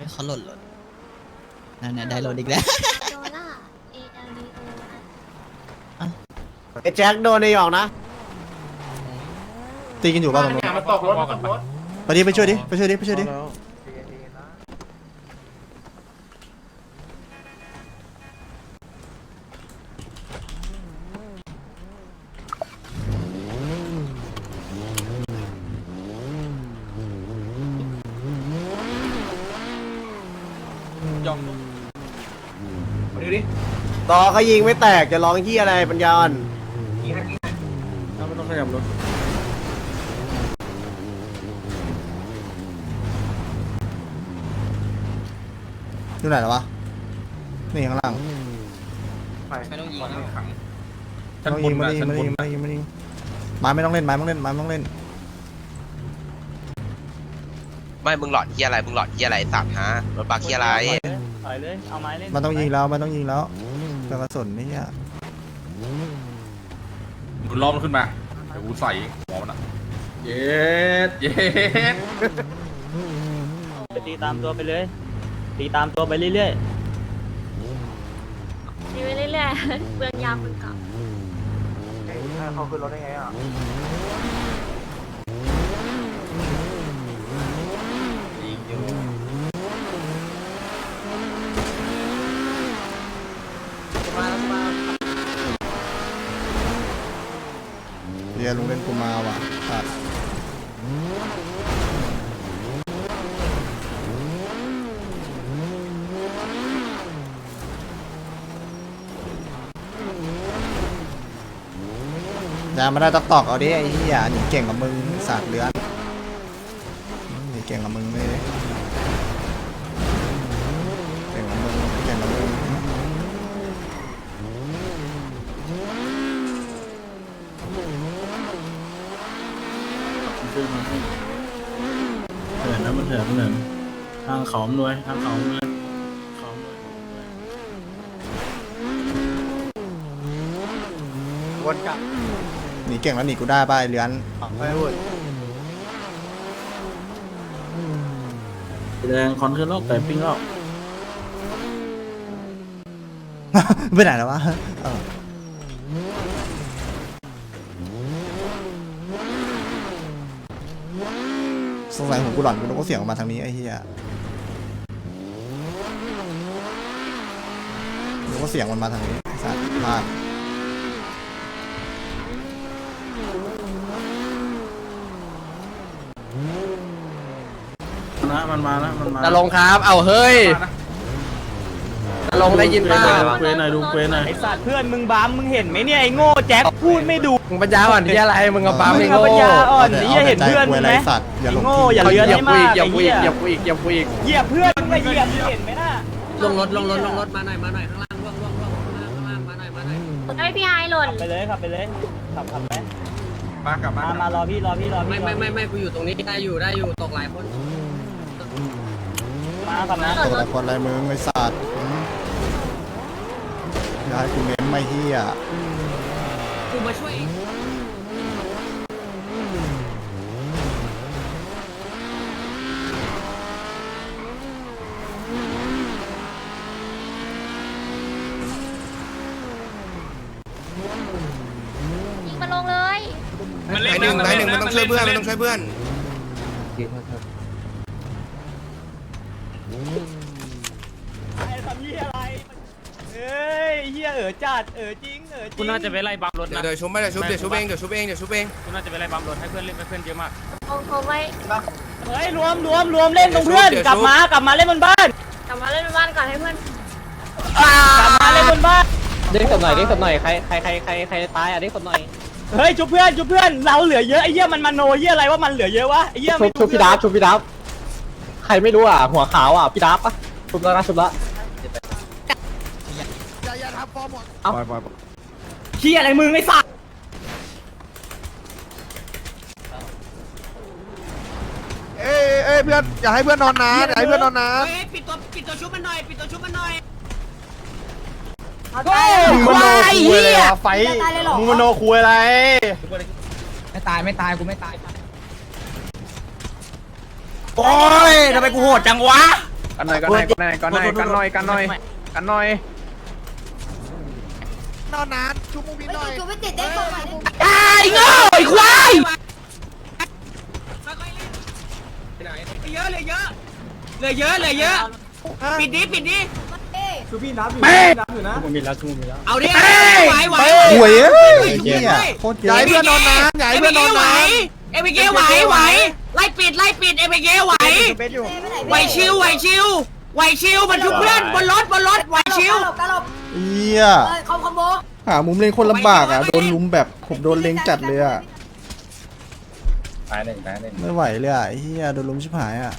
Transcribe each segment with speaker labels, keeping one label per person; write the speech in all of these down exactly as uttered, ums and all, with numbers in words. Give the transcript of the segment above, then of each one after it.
Speaker 1: เขาหล่นหล่นนั่นน่ะได้หล่นอีกแล้ว
Speaker 2: โดล่า A L D O
Speaker 3: ไอ้แจ็คโดนในหยอกนะ
Speaker 4: ตีกันอยู่ป่ะตรงนู้น
Speaker 5: มันตกรถมันตกรถ
Speaker 4: ไปดิไปช่วยดิไปช่วยดิไปช่วยดิ
Speaker 5: มาดูดิ
Speaker 3: ต่อเขายิงไม่แตกจะร้องเฮียอะไรปัญญาอ่อน
Speaker 5: ยิงให้ยิงให้
Speaker 4: ไม่ต้องขยับรถอยู่ไหนแล้ววะนี่ข้างล่าง
Speaker 1: ไม่ต้องยิง
Speaker 5: ขัง
Speaker 1: นะ
Speaker 5: ขัง
Speaker 4: ไม่ต้องยิงไม่ต้องยิงไม่ต้องยิงไม่ต้องยิงไม่ต้องยิงไม้ไม่ต้องเล่นไม้ไม่ต้องเล่นไม้ไม่ต้องเล่น
Speaker 6: ไม่มึงหลอดเฮียอะไรมึงหลอดเฮียอะไรสัตว์ฮะรถบักเฮียอะไร
Speaker 7: ถอยเลยเอาไม้เล่น
Speaker 4: มันต้องยิงแล้วมันต้องยิงแล้วเจอกระสุนนี่อ่ะ
Speaker 8: มึงล้อมมันขึ้นมาเดี๋ยวกูใส่หัวมันอ่ะเย็ดเย็ด
Speaker 7: ไปตีตามตัวไปเลยตีตามตัวไปเรื่อย
Speaker 2: ตีไปเรื่อยๆเปลืองยาเปลืองกลับ
Speaker 3: เขาขึ้นรถได้ไงอ่ะ
Speaker 5: ยิงอยู่
Speaker 4: เรียลุงเล่นกูมาว่ะอ่ะอย่ามาได้ตอกตอกเอาดิไอ้เหี้ยหนีเก่งกับมึงสาดเลือนหนีเก่งกับมึงเลยเก่งกับมึงเก่งกับมึง
Speaker 9: เถิดนะมันเถิดมันเถิดทางเขามด้วยทางเขามด้วยเขามด้วย
Speaker 3: วนกลับ
Speaker 4: หนีเก่งแล้วหนีกูได้ป่ะไอ้เลือน
Speaker 3: ไม่พูด
Speaker 9: แดงคอนขึ้นแล้วไก่ปิ้งแล้ว
Speaker 4: ไปไหนแล้ววะเออสงสัยผมกูหลอนกูต้องก็เสียงออกมาทางนี้ไอ้เหี้ยกูก็เสียงมันมาทางนี้ไอ้สัตว์พลาด
Speaker 9: นะมันมาแล้วมันมา
Speaker 3: จะลงครับเอาเฮ้ยจะลงได้ยินป่ะ
Speaker 9: ดูเควหน่อยดูเควหน่อย
Speaker 7: ๆไอสัตว์เพื่อนมึงบ้ามมึงเห็นไหมเนี่ยไอโง่แจ็คพูดไม่ดู
Speaker 3: มึงปัญญาอ่อนที่อะไรมึงกับปั๊ม
Speaker 7: มึ
Speaker 3: ไม่
Speaker 7: งเอา
Speaker 3: โง่
Speaker 7: ปัญญาอ่อนไอ้เหี้ยเห็นเพื่อน
Speaker 4: มึ
Speaker 7: มึ
Speaker 4: ง
Speaker 7: ง
Speaker 4: ไห
Speaker 7: ไห
Speaker 4: ม
Speaker 7: ม
Speaker 4: สัตว์อย่าหลง
Speaker 7: โง่
Speaker 4: ที่
Speaker 7: อย่าเลือนให้มาก
Speaker 3: เหยียบกูอีก
Speaker 7: ไอ้
Speaker 3: เหยี
Speaker 7: เหี้
Speaker 3: ย
Speaker 7: ย
Speaker 3: บกูอีกเหยียบกูอีก
Speaker 7: เหยียบเพื่อนมึงไปเหยียบมึงเห็นไหมน่ะ
Speaker 1: ลงรถลงรถลงรถมาหน่อยมาหน่อยข้างล่างล่วงล่วงล่วงข้างล่างมาหน่อยมาหน่อย
Speaker 2: ไอพี่ไฮหล่น
Speaker 7: ขับไปเลยขับไปเลยขับขับไป
Speaker 5: มากลับ
Speaker 7: มา
Speaker 5: มา
Speaker 7: มารอพี่รอพี่รอพี่
Speaker 1: ไม่ไม่ไม่ไม่กูอยู่ตรงนี้ได้อยู่ได้อยู่ตกหลายคน
Speaker 7: มาขับนะ
Speaker 4: ตัวละคนอะไรมึงไอ้สัตว์อืมอย่าให้กูเม้มไม่เหี้ย
Speaker 1: กูมาช่วยเอง
Speaker 2: ยิงมาลงเลย
Speaker 5: มันเล่นหนึ่งหนึ่งมันต้องช่วยเพื่อนมันต้องช่วยเพื่อน
Speaker 7: ไอ้ทำเหี้ยอะไรเอ้ยเหี้ยเอ๋อจัดเอ๋อจริงเอ๋อจริง
Speaker 10: คุณน่าจะไปไล่บัมรถ
Speaker 5: เดี๋ย
Speaker 10: นะ
Speaker 5: วเดี๋ยวชุบไม่เดี๋ยวชุบเดี๋ยวชุบเองเดี๋ยวชุบเองเดี๋ยวชุบเอง
Speaker 10: คุณน่าจะไปไล่บัมรถให้เพื่อนเล่นไปเพื่อนเยอะมาก
Speaker 2: เอาเขาไว้
Speaker 7: เฮ้ยรวมรวมรวมเล่นตรงเพื่อนกลับมากลับมาเล่นบนบ้าน
Speaker 2: กลับมาเล่นในบ้านก่อนให้เพื่อน
Speaker 7: กลับมาเล่นบนบ้าน
Speaker 1: เด้งศพหน่อยเด้งศพหน่อยใครใครใครใครใครตายอ่ะเด้งศพหน่อย
Speaker 7: เฮ้ยชุบเพื่อนชุบเพื่อนเราเหลือเยอะไอ้เหี้ยมันมาโนเหี้ยอะไรว่ามันเหลือเยอะวะไอ้เหี้ย
Speaker 1: ชุบชุบพี่ดับชุบพี่ดับใครไม่รู้อ่ะหัวขาวอ่ะพี่ดับปะชุบแล้วนะชุบแล้ว
Speaker 7: เหี้ยอะไรมึงไอ้สัตว์
Speaker 3: เอ้ยเอ้ยเพื่อนอย่าให้เพื่อนนอนนานอย่าให้เพื่อนนอนนาน
Speaker 1: ปิดตัวปิดตัวชุบมันหน่อยปิดตัวชุบมันหน่อย
Speaker 7: เฮ้ย
Speaker 3: มึงมโนคุยเลยวะไฟมึงมโนคุยอะไร
Speaker 1: ไม่ตายไม่ตายกูไม่ตาย
Speaker 7: โอ้ยทำไมกูโหดจังวะ
Speaker 5: ไอ
Speaker 3: กันหน่อยกันหน่อยกันหน่อยกันหน่อยกันหน่อยกันหน่อยกันหน่อย
Speaker 5: นอนนานชุบมูบินหน่อย
Speaker 2: จูไม่ติดได้ตัวใหม่ได้
Speaker 3: ไอ้เงาไอ้ควาย
Speaker 7: เยอะเลยเยอะเลยเยอะเลยเยอะปิดดิปิดดิ
Speaker 1: คือพี่นับอยู่
Speaker 3: แม่
Speaker 1: นับอยู่นะ
Speaker 9: กูมีแล้วกูมีแล้ว
Speaker 7: เอาดิไหวไหว
Speaker 4: หวยเอ้ยไอ้เหี้ยโคตรเย
Speaker 5: ใหญ่
Speaker 4: อะ
Speaker 5: เพื่อนนอนนานใหญ่เพื่อนนอนนาน
Speaker 7: เอเมเกไหวไหวไล่ปิดไล่ปิดเอเมเกไหวไหวชิวไหวชิวไหวชิวมันทุกเพื่อนบนรถบนรถไหวชิว
Speaker 2: กระหลบ
Speaker 4: เหี้ย
Speaker 2: เอ้ยคอมคอมโบ
Speaker 4: หามุมเล็งคนลำบากอ่ะโดนลุมแบบผมโดนเล็งจัดเลยอ่ะ
Speaker 1: ตายหนึ่งตายหนึ่ง
Speaker 4: ไม่ไหวเลยอ่ะไอ้เหี้ยโดนลุมชิบหายอ่ะ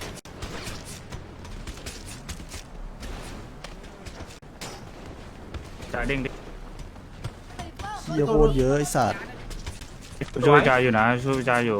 Speaker 9: จ่ายเด้งดิ
Speaker 4: เหี้ยโคตรเยอะไอ้สัตว์
Speaker 9: ช่วยจ่ายอยู่นะช่วยจ่ายอยู่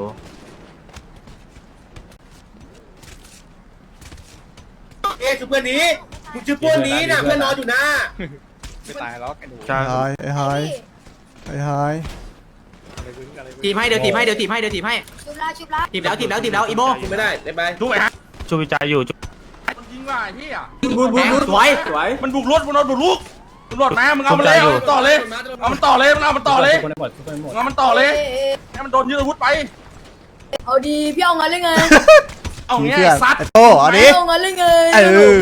Speaker 1: เอ๊ะคือเพื่อนนี้มึงชื่อเพื่อนนี้นะเพื่อนนอนอยู่นะ
Speaker 3: ไม่ตายหรอกไอ้หนู
Speaker 9: จ่าย
Speaker 4: ไอ้ไอ้ไฮไอ้ไฮ
Speaker 7: ทีมให้เดี๋ยวทีมให้เดี๋ยวทีมให้เดี๋ยวทีมให้
Speaker 2: ชุบละชุบละ
Speaker 7: ทีมแล้วทีมแล้วทีมแล้วอีโม
Speaker 1: ไม่ได้ได้ไป
Speaker 9: ช่วยฮะช่วยจ่ายอยู่
Speaker 8: มันยิงว่ะไอ้เหี้ย
Speaker 1: บุญบุญบุญ
Speaker 7: สวย
Speaker 1: สวย
Speaker 8: มันบุกรถมันเอาบุกลุกตำรวจมามึงเอามันเลยเอามันต่อเลยเอามันต่อเลยมึงเอามันต่อเลย
Speaker 9: ทุกคนหมดทุกคนหม
Speaker 8: มึ
Speaker 9: ด
Speaker 8: งเอามันต่อเลยให้มันโดนยึดอาวุธไป
Speaker 2: เอาดีพี่เอาเงินเลยไง
Speaker 8: เอา
Speaker 4: มี
Speaker 8: เงี้ย
Speaker 4: เพื่อน
Speaker 8: ไอ้ซัด
Speaker 4: ไอ้โต้เอาดิ
Speaker 2: เอาเงินเลยไง
Speaker 4: เออ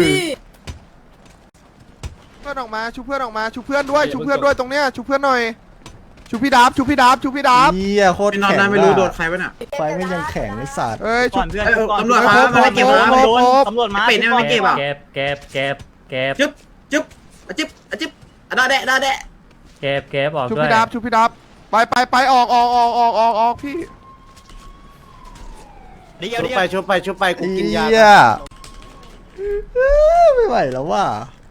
Speaker 5: เพื่อนออกมาชุบเพื่อนออกมาชุบเพื่อนด้วยชุบเพื่อนด้วยตรงเนี้ยชุบเพื่อนหน่อยชุบพี่ดับชุบพี่ดับชุบพี่ดับ
Speaker 4: เหี้ยโคตรแข็งไม่รู้โดนใครวะน่ะไฟไม่ยังแข็งไอ้สัตว์
Speaker 5: เอ้ยชุบ
Speaker 7: เพื่อน
Speaker 5: ตำรวจมามาเก็บมา
Speaker 7: ตำรวจมา
Speaker 9: เป็ดเนี่ยไม่เก็บอ่ะ
Speaker 7: เก็บเก็บเก็บเก็บ
Speaker 3: จึ๊บจึ๊บอะจึ๊บอะจึ๊บอะดาแดะดาแดะ
Speaker 7: เก็บเก็บออก
Speaker 5: ชุบ
Speaker 7: ด้วย
Speaker 5: พี่ดับชุบพี่ดับไปไปไปออกออกออกออกออกออกพี่
Speaker 1: ชุบไปชุบไปชุบไปกูกินยา
Speaker 4: เหี้ยไม่ไหวแล้วว่ะ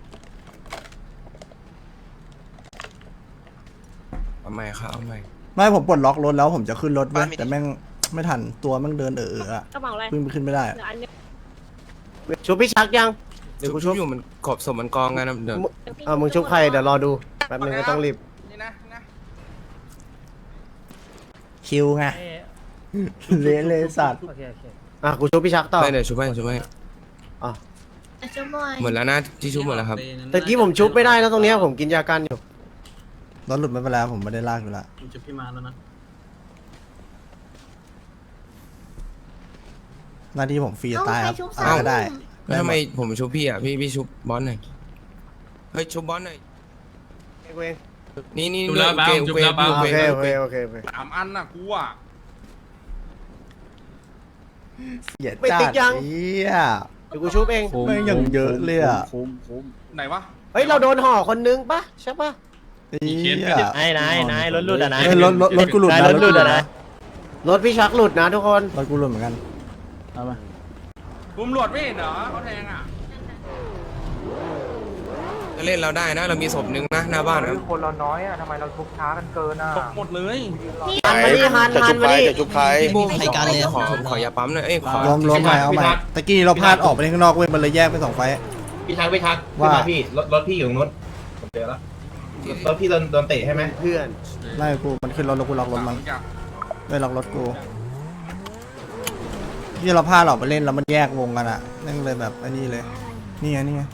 Speaker 5: เอาใหม่ครับเอาใหม่
Speaker 4: ไม่ผมปลดล็อกรถแล้วผมจะขึ้นรถเว้ยแต่แม่งไม่ทันตัวแม่งเดินเออๆอะ
Speaker 2: กระเป๋าอะไร
Speaker 4: เพิ่งไปขึ้นไม่ได้
Speaker 1: ชุบพี่ชักยัง
Speaker 5: เดี๋ยวกูชุบอยู่มันกบศพมันกองกันนะเดี๋ยว
Speaker 1: เออมึงชุบใครเดี๋ยวรอดูแป๊บนึงก็ต้องรีบ
Speaker 8: นี่นะนี่นะ
Speaker 4: คิวไงเละเลยสัตว์
Speaker 7: โอเคโอเค
Speaker 1: อ่ะกูชุบพี่ชักต่อ
Speaker 5: ไม่เดี๋ยวชุบให้ชุบให้
Speaker 2: ชุบมวย
Speaker 5: หมดแล้วนะที่ชุบหมดแล้วครับ
Speaker 1: ตะกี้ผมชุบไม่ได้นะตรงเนี้ยผมกินยากันอยู่
Speaker 4: รถหลุดไม่เป็นไรผมไม่ได้ลากอยู่ละ
Speaker 9: ผมจะพี่มาแล้วนะ
Speaker 4: หน้าที่ผมฟรี
Speaker 2: เอา
Speaker 4: ตาย
Speaker 2: ใค
Speaker 4: ค
Speaker 2: ร
Speaker 4: รับ
Speaker 2: ชุบ
Speaker 4: อะ
Speaker 2: สา
Speaker 4: ไร
Speaker 2: ม
Speaker 4: ก็ได้
Speaker 5: แล้วทำไมผมชุบพี่อ่ะพี่พี่ชุบบอสหน่อยเฮ้ยชุบบอสหน่อย
Speaker 1: กูเอง
Speaker 5: นี่นี่
Speaker 8: ชุบแล้ว
Speaker 5: โอเค
Speaker 8: ชุ
Speaker 5: โอบ เค
Speaker 8: แล้ว
Speaker 5: โอ
Speaker 1: โอ
Speaker 5: เค
Speaker 1: เค
Speaker 5: โอ
Speaker 1: โอ
Speaker 5: เค
Speaker 1: เคโอเคโอเค
Speaker 8: สามอันน่ะกูอ่ะ
Speaker 4: เสีย
Speaker 1: ไม่
Speaker 4: จั
Speaker 1: ติ๊
Speaker 4: ด
Speaker 1: กยัง
Speaker 4: เหี้ย
Speaker 1: เดี๋ยวกูชุบเอง
Speaker 4: แม่งอย่างเยอะเลยอะ
Speaker 9: คุ้มคุ้ม
Speaker 8: ไหนวะ
Speaker 1: เฮ้ยเราโดนห่อคนนึงปะใช่ปะ
Speaker 4: เหี้ย
Speaker 7: ไอ้นายนายรถหลุดอ่ะนะ
Speaker 4: เฮ้ยรถรถรถกูหลุด
Speaker 7: นาย
Speaker 4: นะ
Speaker 7: รถหลุดอ่ะนะ
Speaker 1: รถพี่ชักหลุดนะทุกคน
Speaker 4: รถกูหลุดเหมือนกัน
Speaker 9: เอามา
Speaker 8: ตำรวจไม่เห็นเหรอเขาแทงอ่ะ
Speaker 5: จะเล่นเราได้นะเรามีศพหนึ่งนะหน้าบ้านครับ
Speaker 7: คนเราน้อยอ่ะทำไมเราชุบช้ากันเกินอ่ะ
Speaker 8: ตกหมดเลย
Speaker 1: หันมาดิหันหันมาดิ
Speaker 5: พี่บูมขอขอขอยาปั๊มหน่อยเอ้ยขอ
Speaker 4: รวมรวมใหม่เอาใหม่ตะกี้เราพลาดออกไปข้างนอกเว้ยมันเลยแยกเป็นสองไฟล์
Speaker 1: พี่ชักพี่ชัก
Speaker 4: ว่า
Speaker 1: พี่รถรถพี่อยู่ตรงนู้นผมเจอแล้วรถพี่โดนโดนเตะใช่ไหมเพื่อน
Speaker 4: ไม่กูมันขึ้นรถแล้วกูล็อกรถมันไม่ล็อกรถกูที่เราพลาดออกไปเล่นแล้วมันแยกวงกันอะนั่นเลยแบบอันนี้เลยนี่ไงนี่ไง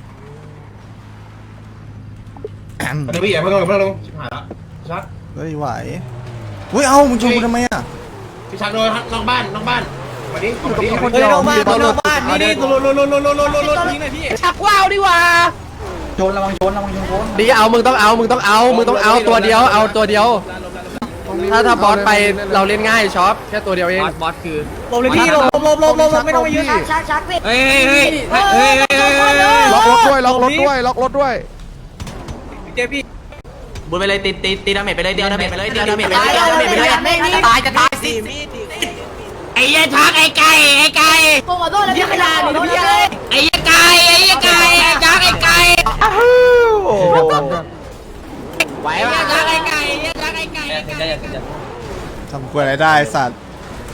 Speaker 1: เดี๋ยวพี่อย่าเพิ่งลงเพิ่งลงชิบหายละชัก
Speaker 4: เฮ้ยไหวเฮ้ยเอ้ามึงชนกูทำไมอะ
Speaker 1: พี่ชักโดนนอกบ้านนอกบ้านมาดิ
Speaker 4: อยู่กับมีคน
Speaker 1: เฮ้
Speaker 4: เดี
Speaker 1: ย
Speaker 4: ยวน
Speaker 1: อกบ้าน
Speaker 4: มีตำรวจ
Speaker 1: นอกบ้านนี่นี่รถรถรถรถรถรถรถรถนี่หน่อยพี่
Speaker 7: ชักว้าวดีกว่า
Speaker 9: ชนระวังชนระวังชนโค้ง
Speaker 3: ดีเอามึงต้องเอามึงต้องเอามึงต้องเอาตัวเดียวเอาตัวเดียว ถ้าถ้าบอสไปเราเล่นง่ายช็อปแค่ตัวเดียวเอง
Speaker 7: บอสคือ
Speaker 1: หลบเลยพี่หลบหลบหลบหลบหลบไม่ต้องมายืน
Speaker 2: ชักชักชักพี่
Speaker 7: เฮ้ยเฮ้ยเฮ้ยเฮ้ยเฮ้ย
Speaker 5: ล็อกรถด้วยล็อกรถด้วยล็อกรถด้วย
Speaker 7: บุญไปเลยตีตีตีดาเมจไปเลยเดียวดาเมจไปเลยเดียวดาเมจไปเลยเดียวดาเมจไปเลยจะตายจะตายสิไอ้ยัยชักไอ้ไก่ไอ้ไก่
Speaker 2: ขอโทษแล้วพี่ขนาดนี้พี่เลย
Speaker 7: ไอ้ยัยไก่ไอ้ยัยไก่ไอ้ชักไอ้ไก่ไหวป่ะชักไอ้ไก่ยัยชักไอ้ไก่
Speaker 4: ทำกล้วยอะไรได้สัตว์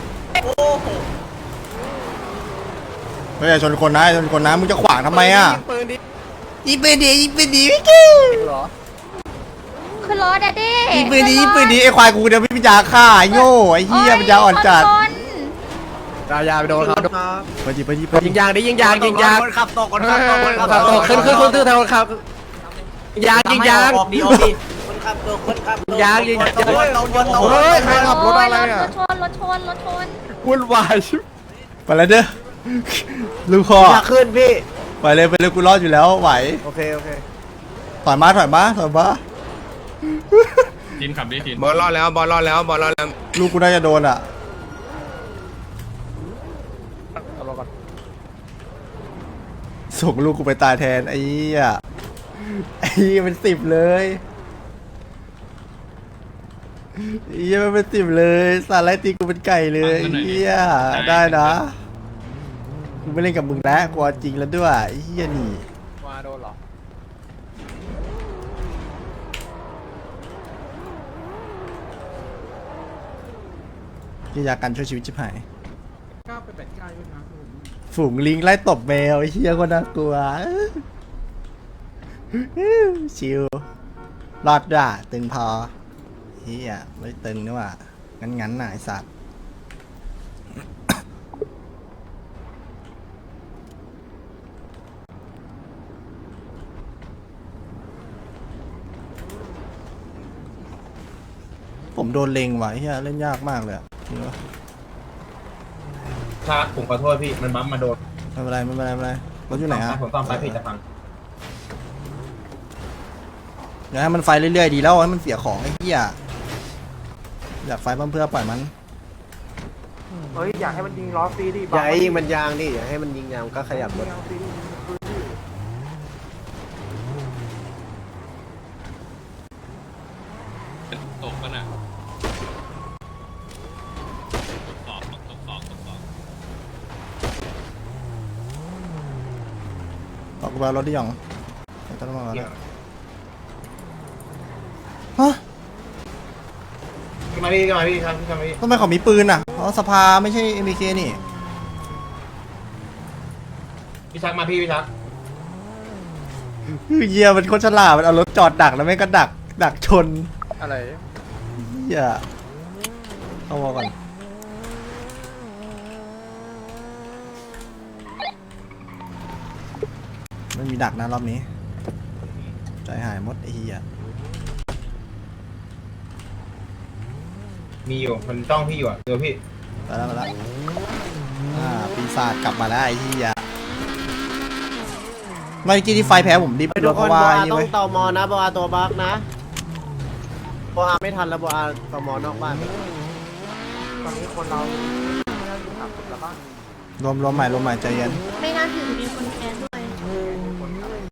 Speaker 4: เฮ้ยอย่าชนคนนะอย่าชนคนนะมึงจะขวางทำไมอะยิงปืนดียิงปืนดีพี่กิ้ว
Speaker 2: ขึ้นรถอะดิ
Speaker 4: ยิงปืนดียิงปืนดีไอ้ควายกูเดี๋ยวพี่ปัญญาฆ่าไอ้โง่ไอ้เหี้ยปัญญาอ่อนจัด
Speaker 3: ดายาไปโดนเขาโดน
Speaker 4: ไปดิไปดิไป
Speaker 3: ยิงยางดิยิงยางยิงยาง
Speaker 7: คนขับตกคนขับตกคนขับ
Speaker 3: ขับตกขึ้นขึ้นขึ้นขึ้นทางขับยางยิงยาง
Speaker 7: ออกดีออกดีคนขับตกคนขับตก
Speaker 3: ยางยิงยาง
Speaker 7: โอ้ยเราโดนตก
Speaker 5: เฮ้ยใครขับรถอะไร
Speaker 2: ร
Speaker 5: อ่ะ
Speaker 2: ถชนรถชนรถชน
Speaker 1: วุ่นวายชิบ
Speaker 4: ไปแล้วเด้อลูกคอ
Speaker 7: อยากขึ้นพี่
Speaker 4: ไปเลยไปเลยกูรอดอยู่แล้วไหว
Speaker 7: โอเคโอเค
Speaker 4: ถอยมาถอยมาถอยมา
Speaker 10: ทีนขับดิทีน
Speaker 6: บอลรอดแล้วบอลรอดแล้วบอลรอดแล้ว
Speaker 4: ลูกกูน่าจะโดนอ่ะส่งลูกกูไปตายแทนไอ้เหี้ยไอ้เหี้ยเป็นสิบเลยไอ้เหี้ยมันเป็นสิบเลยสารไล่ตีกูเป็นไก่เลยไอ้เหี้ยได้นะกูไม่เล่นกับมึงแล้วกูเอาจริงแล้วด้วยไอ้เหี้ยนี่
Speaker 3: มาโดนหรอ
Speaker 4: กิจการช่วยชีวิตชิบหายฝูงลิงไล่ตบแมวไอ้เหี้ยคนน่ากลัวชิวรอดด่าตึงพอเฮียไม่ตึงนี่ว่างั้นงั้นๆน่ะไอ้สัตว์ผมโดนเลงว่ะไอ้เฮียเล่นยากมากเลยอะจริงปะ
Speaker 1: ถ้าผมขอโทษพี่มันบั๊มมาโดน
Speaker 4: ไม่เป็นไรไม่เป็นไรไม่เป็นไรรถอยู่ไหนฮะ
Speaker 1: ผมต้องไปพี่จะฟัง
Speaker 4: เดี๋ยวให้มันไฟเรื่อยๆดีแล้วให้มันเสียของไอ้เหี้ยอยากไฟเพื่อปล่อยมัน
Speaker 5: เฮ้ยอยากให้มันยิงล้อฟรีดิ
Speaker 7: อย่าให้ยิงมันยางดิอย่าให้มันยิงยางก็ขยับรถ
Speaker 10: ตกกันอ่ะ
Speaker 4: ออกไปเอารถที่หยองไม่ต้องมาแล้วฮะ
Speaker 1: ขึ้นมาพี่ขึ้นมาพี่ครับขึ้นมาพี่
Speaker 4: ทำไมเขามีปืนอ่ะเพราะสภาไม่ใช่ เอ็ม บี เค นี่
Speaker 1: พี่ชักมาพี่พี่ชัก
Speaker 4: เหี้ยมันโคตรฉลาดมันเอารถจอดดักแล้วแม่งก็ดักดักชน
Speaker 3: อะไร
Speaker 4: เหี้ยเข้าวอก่อนไม่มีดักนะรอบนี้ใจหายหมดไอ้เหี้ย
Speaker 1: มีอยู่มันจ้องพี่อยู่อ่ะเดี๋ยวพี่
Speaker 4: ไปแล้วไปแล้วอ่าปีศาจกลับมาแล้วไอ้เหี้ยเมื่อกี้ที่ไฟแพ้ผมดิบ
Speaker 7: ทุก
Speaker 4: เพ
Speaker 7: คน
Speaker 4: ราะ
Speaker 7: บ
Speaker 4: ว่า
Speaker 7: อ
Speaker 4: ไอ้
Speaker 7: อา
Speaker 4: นี่
Speaker 7: ต้อ
Speaker 4: เว้
Speaker 7: ง
Speaker 4: ย
Speaker 7: ตอมอนะบออาตัวบักนะบออาไม่ทันแล้วบออาตอมอนอกบ้าน
Speaker 5: ตอนนี้คนเราสามสิบแล้วบ้าง
Speaker 4: รวมรวมใหม่รวมใหม่ใจเย็น
Speaker 2: ไม่น่าถึงมีคนแคสด้วย